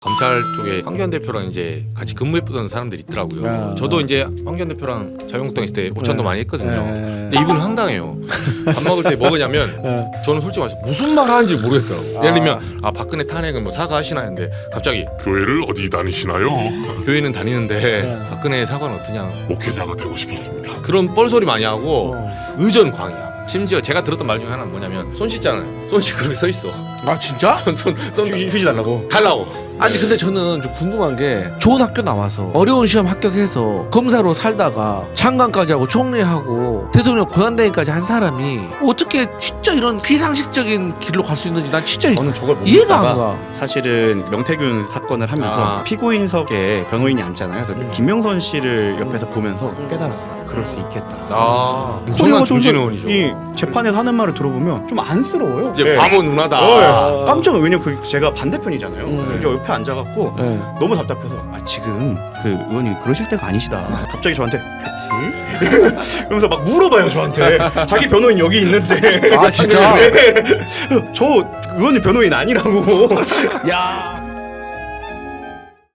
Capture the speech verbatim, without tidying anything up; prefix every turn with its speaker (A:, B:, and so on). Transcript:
A: 검찰 쪽에 황교안 대표랑 이제 같이 근무했던 사람들이 있더라고요.
B: 아.
A: 저도 이제 황교안 대표랑 자유한국당 있을 때 오찬도
B: 네.
A: 많이 했거든요.
B: 네.
A: 근데 이분은 황당해요. 밥 먹을 때 먹으냐면
B: 네.
A: 저는 솔직히 말해서 무슨 말 하는지 모르겠더라고요.
B: 아.
A: 예를 들면 아 박근혜 탄핵은 뭐 사과하시나 했는데 갑자기
C: 교회를 어디 다니시나요?
A: 교회는 다니는데
B: 네.
A: 박근혜 사과는 어떠냐
C: 목회자가 되고 싶었습니다.
A: 그런 뻘소리 많이 하고
B: 어.
A: 의전 광이야. 심지어 제가 들었던 말 중에 하나는 뭐냐면 손 씻잖아요. 손 씻고 그렇게 서 있어.
B: 아 진짜?
A: 손손손
B: 휴- 휴지 달라고?
A: 달라고.
B: 아니 근데 저는 좀 궁금한 게 좋은 학교 나와서 어려운 시험 합격해서 검사로 살다가 장관까지 하고 총리하고 대통령 고난대행까지 한 사람이 어떻게 진짜 이런 비상식적인 길로 갈 수 있는지 난 진짜
D: 저는 저걸 못
B: 이해가 안
D: 믿다가
B: 가.
D: 사실은 명태균 사건을 하면서
A: 아.
D: 피고인석에 변호인이 앉잖아요. 그래서 김명선 씨를 옆에서 보면서 깨달았어요. 그럴 수 있겠다.
A: 아
D: 코리아
A: 엄청난 조진 의원이죠.
D: 이 재판에서 하는 말을 들어보면 좀 안쓰러워요.
A: 이제
D: 네.
A: 바보 누나다.
D: 어, 깜짝 놀- 왜냐면 그 제가 반대편이잖아요.
B: 음.
D: 이제 옆에 앉아갖고
B: 네.
D: 너무 답답해서 아 지금 그 의원님 그러실 때가 아니시다. 갑자기 저한테 그치? 그러면서 막 물어봐요 저한테. 자기 변호인 여기 있는데.
B: 아 진짜?
D: 저 의원님 변호인 아니라고.
B: 야.